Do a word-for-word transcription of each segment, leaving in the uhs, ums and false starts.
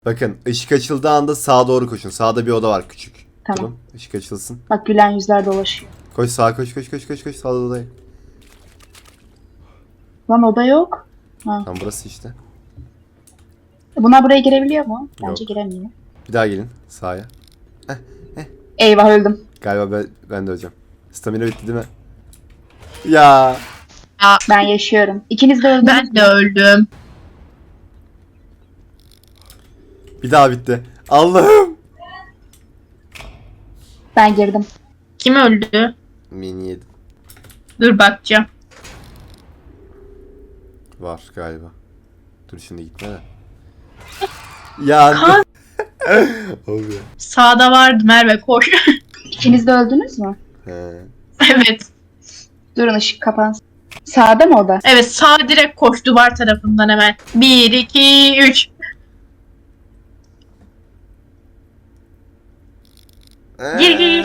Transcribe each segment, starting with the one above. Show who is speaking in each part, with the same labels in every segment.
Speaker 1: Bakın ışık açıldığı anda sağa doğru koşun. Sağda bir oda var küçük.
Speaker 2: Tamam.
Speaker 1: Durun, ışık açılsın.
Speaker 2: Bak gülen yüzler dolaşıyor.
Speaker 1: Koş sağa koş koş koş koş koş sağda odaya.
Speaker 2: Lan oda yok. Ha.
Speaker 1: Tam burası işte.
Speaker 2: Bunlar buraya girebiliyor mu? Bence
Speaker 1: Yok.
Speaker 2: giremiyor.
Speaker 1: Bir daha gelin sağa.
Speaker 2: Eyvah öldüm.
Speaker 1: Galiba ben, ben de öleceğim. Stamina bitti değil mi? Ya.
Speaker 2: Ben yaşıyorum. İkiniz de öldünüz.
Speaker 3: Ben de öldüm.
Speaker 1: Bir daha bitti. Allah'ım.
Speaker 2: Ben girdim.
Speaker 3: Kim öldü?
Speaker 1: Mini yedi.
Speaker 3: Dur bakacağım.
Speaker 1: Var galiba. Dur şimdi gitme de. Ya.
Speaker 3: Kan-
Speaker 1: Oluyor.
Speaker 3: Sağda vardı Merve koş.
Speaker 2: İkiniz de öldünüz mü?
Speaker 1: He.
Speaker 3: Evet.
Speaker 2: Durun ışık kapansın. Sağda mı oda?
Speaker 3: Evet sağ direkt koş duvar tarafından hemen. Bir, iki, üç. Gir, gir.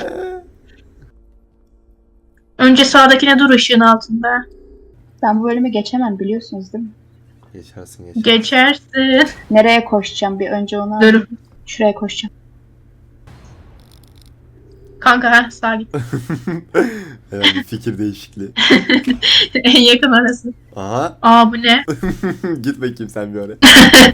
Speaker 3: Önce sağdakine dur ışığın altında.
Speaker 2: Ben bu bölümü geçemem biliyorsunuz değil mi?
Speaker 1: Geçersin geçersin.
Speaker 3: Geçersin.
Speaker 2: Nereye koşacağım bir önce onu
Speaker 3: Dur.
Speaker 2: alayım. Şuraya koşacağım.
Speaker 3: Kanka ha sağa git.
Speaker 1: Hemen bir fikir değişikliği.
Speaker 3: En yakın arası.
Speaker 1: Aha.
Speaker 3: Aa bu ne?
Speaker 1: Git bakayım sen bir oraya.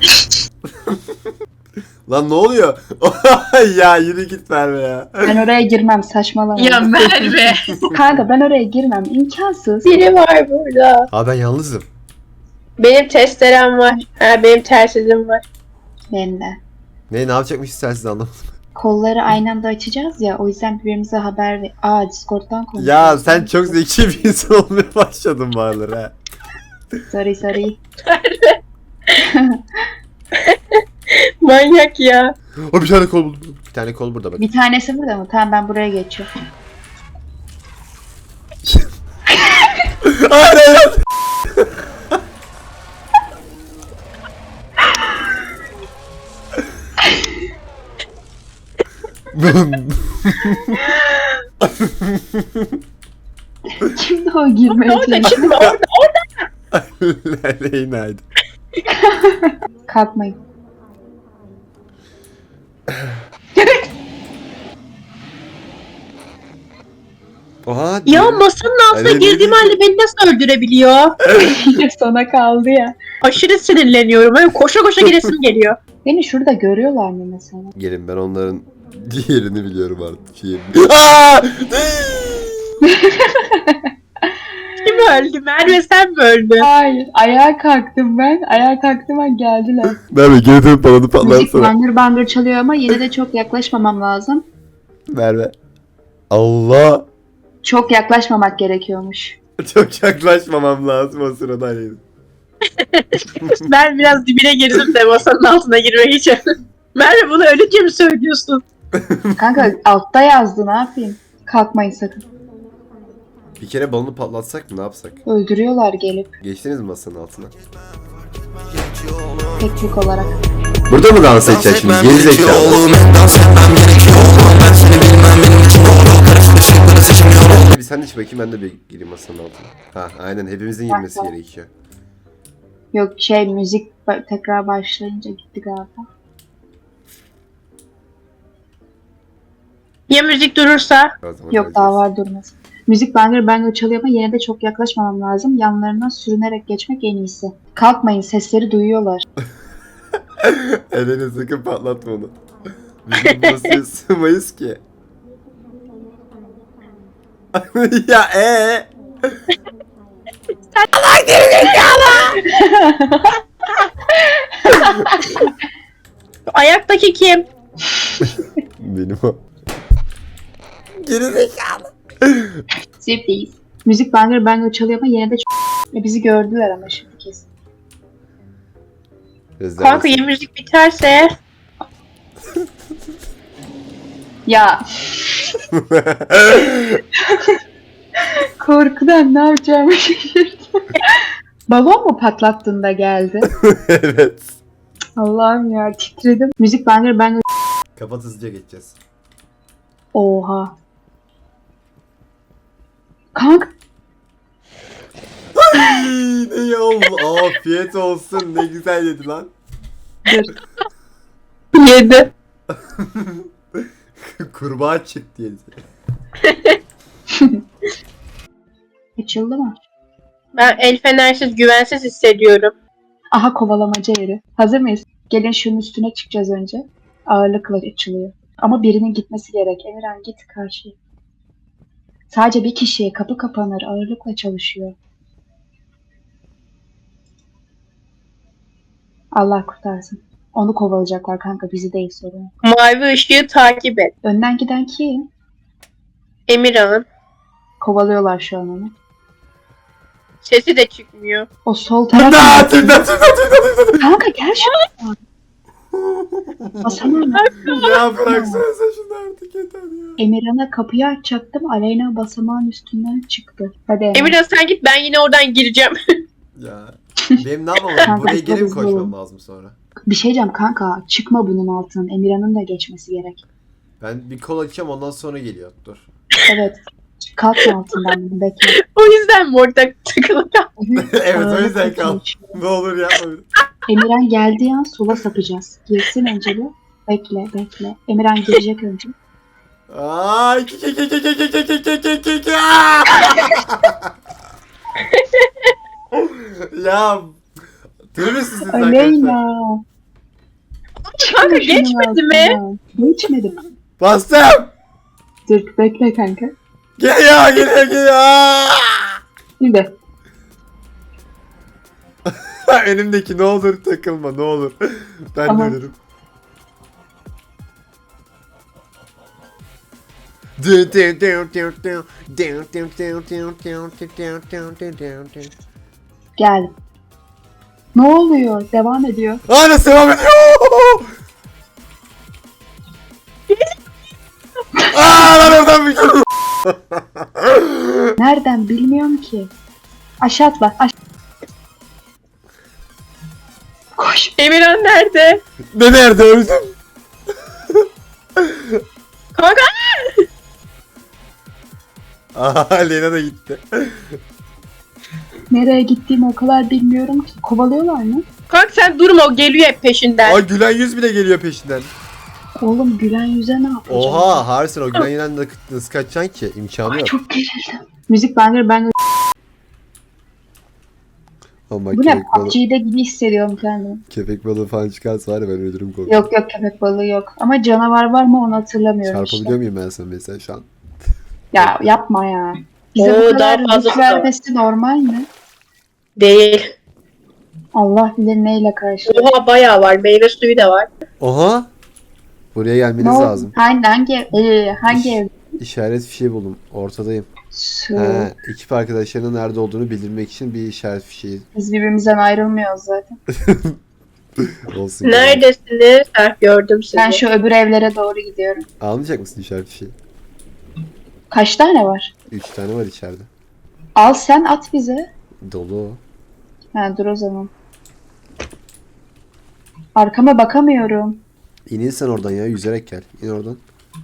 Speaker 1: Lan ne oluyor? Ya yürü git Merve ya.
Speaker 2: Ben oraya girmem saçmalama.
Speaker 3: Ya Merve.
Speaker 2: Kanka ben oraya girmem imkansız.
Speaker 4: Biri var burada.
Speaker 1: Ha ben yalnızım.
Speaker 4: Benim testerem var. Ha benim telsizim var.
Speaker 2: Benim de.
Speaker 1: Ne ne yapacakmışız sen siz anlamadım.
Speaker 2: Kolları aynı anda açacağız ya o yüzden birbirimize haber ver. Aa Discord'dan konuşuyoruz.
Speaker 1: Ya sen çok zeki bir insan olmaya başladın bağırlar ha.
Speaker 2: Sorry sorry.
Speaker 4: Manyak ya.
Speaker 1: O bir tane kol buldum. Bir tane kol burada bak.
Speaker 2: Bir tanesi burada mı? Tamam ben buraya geçiyorum.
Speaker 1: Hayır hayır.
Speaker 2: Kimdi o girmeye
Speaker 4: Orada
Speaker 2: çalışan?
Speaker 4: şimdi orada orada.
Speaker 1: Leyna'ydı.
Speaker 2: Kalkmayın.
Speaker 1: Oha.
Speaker 3: Ya
Speaker 1: diyor.
Speaker 3: masanın altına
Speaker 1: Ay,
Speaker 3: girdiğim
Speaker 1: ne
Speaker 3: halde beni nasıl öldürebiliyor?
Speaker 2: Sana kaldı ya.
Speaker 3: Aşırı sinirleniyorum. Böyle koşa koşa giresim geliyor.
Speaker 2: Beni şurada görüyorlar mı mesela?
Speaker 1: Gelin ben onların diğerini biliyorum artık. Yerini. Aa!
Speaker 3: Kim öldü? Merve sen mi öldün?
Speaker 2: Hayır. Ayağa kalktım ben. Ayağa kalktım ben geldiler.
Speaker 1: Merve geri dönüp bana
Speaker 2: Müzik
Speaker 1: patlarsana.
Speaker 2: bangır bangır çalıyor ama yine de çok yaklaşmamam lazım.
Speaker 1: Merve. Allah.
Speaker 2: Çok yaklaşmamak gerekiyormuş.
Speaker 1: Çok yaklaşmamam lazım o sırada. Hani.
Speaker 3: Ben biraz dibine girdim de masanın altına girmek için. Merve bunu ölünce mi söylüyorsun?
Speaker 2: Kanka altta yazdı ne yapayım? Kalkmayın sakın.
Speaker 1: Bir kere balonu patlatsak mı ne yapsak?
Speaker 2: Öldürüyorlar gelip
Speaker 1: Geçtiniz mi masanın altına?
Speaker 2: teknik olarak.
Speaker 1: Burada mı dans edeceğiz şimdi? Geri zekalı. Bir sen de çık bakayım ben de bir gireyim masanın altına. Ha aynen hepimizin girmesi
Speaker 2: Tamam.
Speaker 1: gerekiyor.
Speaker 2: Yok şey müzik ba- tekrar başlayınca gitti galiba.
Speaker 3: Ya müzik durursa?
Speaker 1: O zaman
Speaker 2: Yok daha
Speaker 1: öleceğiz.
Speaker 2: var durmaz. Müzik bangır bangır çalıyor ama yine de çok yaklaşmamam lazım. Yanlarından sürünerek geçmek en iyisi. Kalkmayın sesleri duyuyorlar.
Speaker 1: Elini sakın patlatma onu. Biz burası sığmayız ki. Ya ee?
Speaker 3: Ayaktaki kim?
Speaker 1: Benim o. Geri zekalı.
Speaker 2: Sürpriz. Müzik bangır bangır çalıyor ama yine de çok... E, bizi gördüler ama şimdi kesin.
Speaker 3: Kanka ya müzik biterse?
Speaker 2: Ya korkudan ne yapacağımı şaşırdım. Balon mu patlattığında geldi?
Speaker 1: Evet.
Speaker 2: Allah'ım ya titredim. Müzik bangır bangır.
Speaker 1: Kapat hızlıca geçeceğiz.
Speaker 2: Oha. Kanka
Speaker 1: Ay, ne oldu? Afiyet olsun. Ne güzel yedi lan.
Speaker 2: dur.
Speaker 3: girdi.
Speaker 1: Kurbağa çık diye.
Speaker 2: Açıldı mı?
Speaker 4: Ben el fenersiz güvensiz hissediyorum.
Speaker 2: Aha, kovalamaca yeri. Hazır mıyız? Gelin şunun üstüne çıkacağız önce. Ağırlıkla açılıyor. Ama birinin gitmesi gerek. Emirhan git karşıya. Sadece bir kişiye kapı kapanır. Ağırlıkla çalışıyor. Allah kurtarsın. Onu kovalayacaklar kanka. Bizi değil, sorun.
Speaker 4: Mavi ışığı takip et.
Speaker 2: Önden giden kim?
Speaker 4: Emirhan.
Speaker 2: Kovalıyorlar şu an onu.
Speaker 4: Sesi de çıkmıyor.
Speaker 2: O sol taraf.
Speaker 1: Tümda tümda tümda tümda.
Speaker 2: Kanka gel şuraya. Basamam.
Speaker 1: Ya bıraksana sen şunu artık yeter ya.
Speaker 2: Emirhan'a kapıyı açacaktım. Aleyna basamağın üstünden çıktı. Hadi Emre.
Speaker 4: Emirhan sen git, ben yine oradan gireceğim.
Speaker 1: Ya. Benim ne yapmam lazım?
Speaker 2: Kanka,
Speaker 1: Buraya geri mi
Speaker 2: hızlı
Speaker 1: koşmam
Speaker 2: ol.
Speaker 1: lazım sonra?
Speaker 2: Bir şey diyeceğim kanka. Çıkma bunun altından. Emirhan'ın da geçmesi gerek.
Speaker 1: Ben bir kol açacağım ondan sonra geliyor. Dur.
Speaker 2: Evet. Kalkma altından bunu, bekle.
Speaker 4: O yüzden mi orada takılı kal-
Speaker 1: Evet o
Speaker 2: Ağırlıkla
Speaker 1: yüzden kal.
Speaker 2: çalışıyor.
Speaker 1: Ne olur yapma.
Speaker 2: Emirhan geldiği an sola sapacağız. Girsin önce bir. Bekle bekle. Emirhan girecek önce.
Speaker 1: Aa, iki iki iki iki iki iki iki iki iki iki. Ya. Deli misiniz siz arkadaşlar?
Speaker 2: Aleyna.
Speaker 4: Kanka
Speaker 2: Şunun
Speaker 4: geçmedi mi?
Speaker 2: altından. Geçmedi.
Speaker 1: Bastım.
Speaker 2: Dur bekle kanka.
Speaker 1: Geliyor geliyor geliyor.
Speaker 2: Bir de.
Speaker 1: Önümdeki ne olur takılma ne olur. Ben
Speaker 2: Tamam.
Speaker 1: de ölürüm. Dun dun dun dun dun. Dun dun dun dun dun dun dun dun dun dun.
Speaker 2: Gel. Ne oluyor? Devam ediyor.
Speaker 1: Aa nasıl devam ediyor? Aa lan oradan bir kere.
Speaker 2: Nereden bilmiyorum ki. Aşağı atla. Aş Koş.
Speaker 4: Emirhan nerede?
Speaker 1: Ne nerede öldüm?
Speaker 4: Kanka
Speaker 1: Aa Lena da gitti.
Speaker 2: Nereye gittiğimi o kadar bilmiyorum ki. Kovalıyorlar mı?
Speaker 4: kanka sen durma, o geliyor hep peşinden.
Speaker 1: Aa gülen yüz bile geliyor peşinden.
Speaker 2: Oğlum gülen yüze ne yapacağım?
Speaker 1: Oha Harsin o gülen yüzden de nasıl kaçacaksın ki? İmkanı
Speaker 2: Ay,
Speaker 1: yok.
Speaker 2: çok gerildim. Müzik banger ben
Speaker 1: Ama
Speaker 2: bu ne?
Speaker 1: köpek balığı,
Speaker 2: P U B G'de gibi hissediyorum kendimi.
Speaker 1: köpek balığı falan çıkarsa var ya ben ölürüm korkuyorum.
Speaker 2: Yok yok, köpek balığı yok. Ama canavar var mı onu hatırlamıyorum
Speaker 1: Çarpabiliyor
Speaker 2: işte.
Speaker 1: muyum ben sana mesela şu an?
Speaker 2: Ya yapma ya. Bize
Speaker 4: Oo,
Speaker 2: bu kadar
Speaker 4: daha fazlası
Speaker 2: güç
Speaker 4: da var.
Speaker 2: vermesi normal mi?
Speaker 4: Değil.
Speaker 2: Allah bilir neyle karşı.
Speaker 4: Oha bayağı var. Meyve suyu da var.
Speaker 1: Oha! Buraya gelmeniz
Speaker 2: Ne oldu?
Speaker 1: lazım.
Speaker 2: Hangi hangi e, hangi ev?
Speaker 1: İşaret fişeği buldum. Ortadayım.
Speaker 2: Su.
Speaker 1: He, ekip arkadaşlarının nerede olduğunu bildirmek için bir işaret fişeği
Speaker 2: Biz birbirimizden ayrılmıyoruz zaten.
Speaker 1: olsun.
Speaker 4: Neredesiniz? Ha, gördüm sizi.
Speaker 2: Ben şu öbür evlere doğru gidiyorum.
Speaker 1: Almayacak mısın işaret fişeği?
Speaker 2: Kaç tane var?
Speaker 1: Üç tane var içeride.
Speaker 2: Al sen at bize.
Speaker 1: Dolu o.
Speaker 2: Ha dur o zaman. Arkama bakamıyorum.
Speaker 1: İnin sen oradan ya yüzerek gel. İn oradan.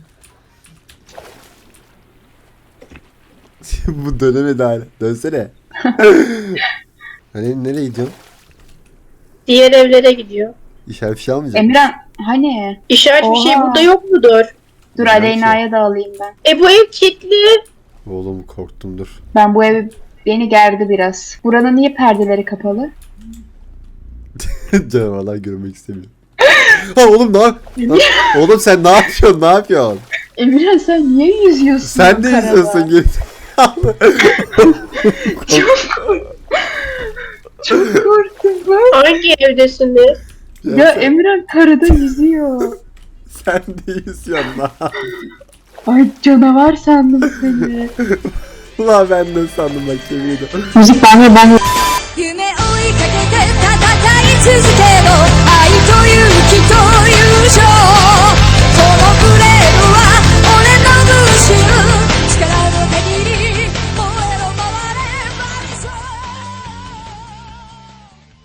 Speaker 1: Bu dönemedi hala. Dönsene. Hani nereye gidiyorsun?
Speaker 4: Diğer evlere gidiyor.
Speaker 1: İşaret fişeği almayacak mısın?
Speaker 2: Emirhan hani?
Speaker 4: İşaret bir şey
Speaker 2: Oha.
Speaker 4: burada yok mudur?
Speaker 2: Dur
Speaker 1: Belki.
Speaker 2: Aleyna'ya da alayım ben.
Speaker 4: E bu ev kilitli.
Speaker 1: Oğlum korktum dur.
Speaker 2: Ben bu evi beni gerdi biraz. Buranın niye perdeleri kapalı?
Speaker 1: Canavarlar görmek istemiyor. Ha oğlum ne yap? Lan, oğlum sen ne yapıyorsun? Ne yapıyorsun?
Speaker 2: Emirhan sen niye yüzüyorsun?
Speaker 1: Sen de
Speaker 2: karada?
Speaker 1: izliyorsun geri.
Speaker 2: Çok korktum ben.
Speaker 4: Hangi evdesiniz?
Speaker 2: Ya Emirhan karada yüzüyor.
Speaker 1: Sen de izliyorsun lan.
Speaker 2: Ay canavar sandım seni.
Speaker 1: Ulan ben de sandım bak yemin ederim.
Speaker 2: Müzik ben ben
Speaker 5: 夢追いかけて戦い続けろ愛と勇気と友情